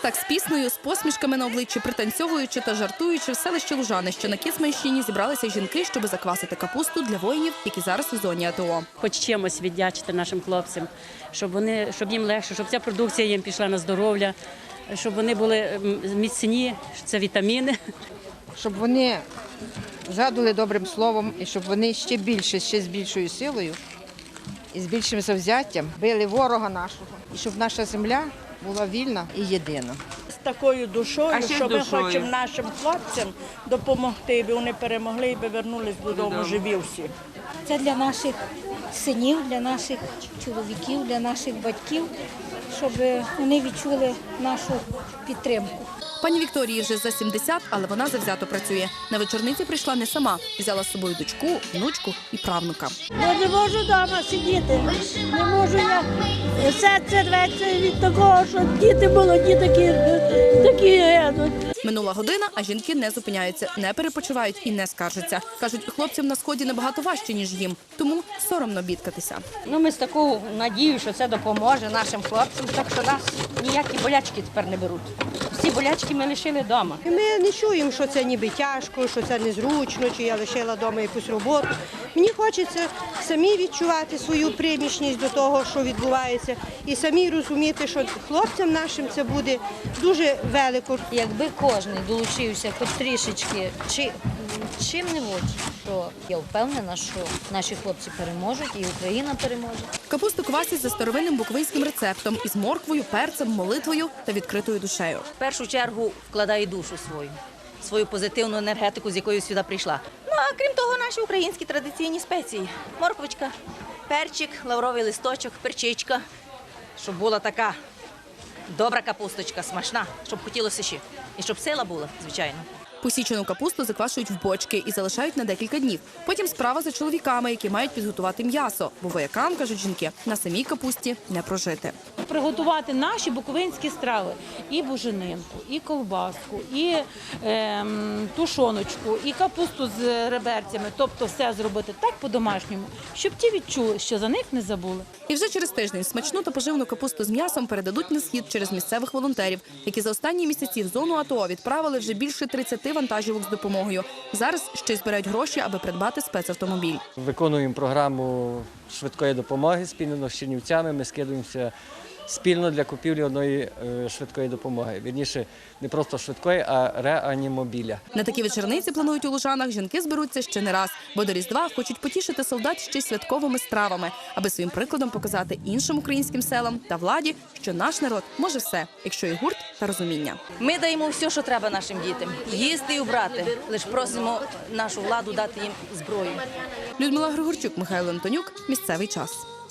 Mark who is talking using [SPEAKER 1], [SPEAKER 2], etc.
[SPEAKER 1] Так з піснею, з посмішками на обличчі, пританцьовуючи та жартуючи в селищі Лужани, що на Кіцманщині, зібралися жінки, щоб заквасити капусту для воїнів, які зараз у зоні АТО.
[SPEAKER 2] Хоч чимось віддячити нашим хлопцям, щоб їм легше, щоб ця продукція їм пішла на здоров'я, щоб вони були міцні, це вітаміни.
[SPEAKER 3] Щоб вони згадували добрим словом і щоб вони ще більше, ще з більшою силою і з більшим завзяттям били ворога нашого. І щоб наша земля була вільна і єдина.
[SPEAKER 4] З такою душою, що ми хочемо нашим хлопцям допомогти, аби вони перемогли і повернулись додому живі всі.
[SPEAKER 5] Це для наших синів, для наших чоловіків, для наших батьків, щоб вони відчули нашу підтримку.
[SPEAKER 1] Пані Вікторії вже за 70, але вона завзято працює. На вечорниці прийшла не сама. Взяла з собою дочку, внучку і правнука.
[SPEAKER 6] Я не можу вдома сидіти, не можу я. Серце рветься від того, що діти молоді такі гинуть.
[SPEAKER 1] Минула година, а жінки не зупиняються, не перепочивають і не скаржаться. Кажуть, хлопцям на сході набагато важче, ніж їм, тому соромно бідкатися.
[SPEAKER 7] Ми з такою надією, що це допоможе нашим хлопцям, так що нас ніякі болячки тепер не беруть. Всі болячки ми лишили вдома.
[SPEAKER 8] Ми не чуємо, що це ніби тяжко, що це незручно, чи я лишила вдома якусь роботу. Мені хочеться самі відчувати свою примішність до того, що відбувається, і самі розуміти, що хлопцям нашим це буде дуже велико.
[SPEAKER 7] Якби кожен долучився хоч трішечки, чим-небудь, то я впевнена, що наші хлопці переможуть і Україна переможе.
[SPEAKER 1] Капусту квасять за старовинним буковинським рецептом із морквою, перцем, молитвою та відкритою душею.
[SPEAKER 9] В першу чергу вкладаю душу свою позитивну енергетику, з якою сюди прийшла. Ну, а крім того, наші українські традиційні спеції. Морквочка, перчик, лавровий листочок, перчичка, щоб була така добра капусточка, смачна, щоб хотілося ще. І щоб сила була, звичайно.
[SPEAKER 1] Посічену капусту заквашують в бочки і залишають на декілька днів. Потім справа за чоловіками, які мають підготувати м'ясо. Бо воякам, кажуть жінки, на самій капусті не прожити.
[SPEAKER 6] Приготувати наші буковинські страви. І буженинку, і ковбаску, і тушоночку, і капусту з реберцями. Тобто все зробити так по-домашньому, щоб ті відчули, що за них не забули.
[SPEAKER 1] І вже через тиждень смачну та поживну капусту з м'ясом передадуть на схід через місцевих волонтерів, які за останні місяці в зону АТО відправили вже більше 30 вантажівок з допомогою. Зараз ще й збирають гроші, аби придбати спецавтомобіль.
[SPEAKER 10] Виконуємо програму швидкої допомоги спільно з Чернівцями. Ми скидуємося спільно для купівлі одної швидкої допомоги. Вірніше, не просто швидкої, а реанімобіля.
[SPEAKER 1] На такі вечорниці, планують у Лужанах, жінки зберуться ще не раз, бо до Різдва хочуть потішити солдат ще й святковими стравами, аби своїм прикладом показати іншим українським селам та владі, що наш народ може все, якщо є гурт та розуміння.
[SPEAKER 9] Ми даємо все, що треба нашим дітям. Їсти і убрати. Лише просимо нашу владу дати їм зброю.
[SPEAKER 1] Людмила Григорчук, Михайло Антонюк. Місцевий час.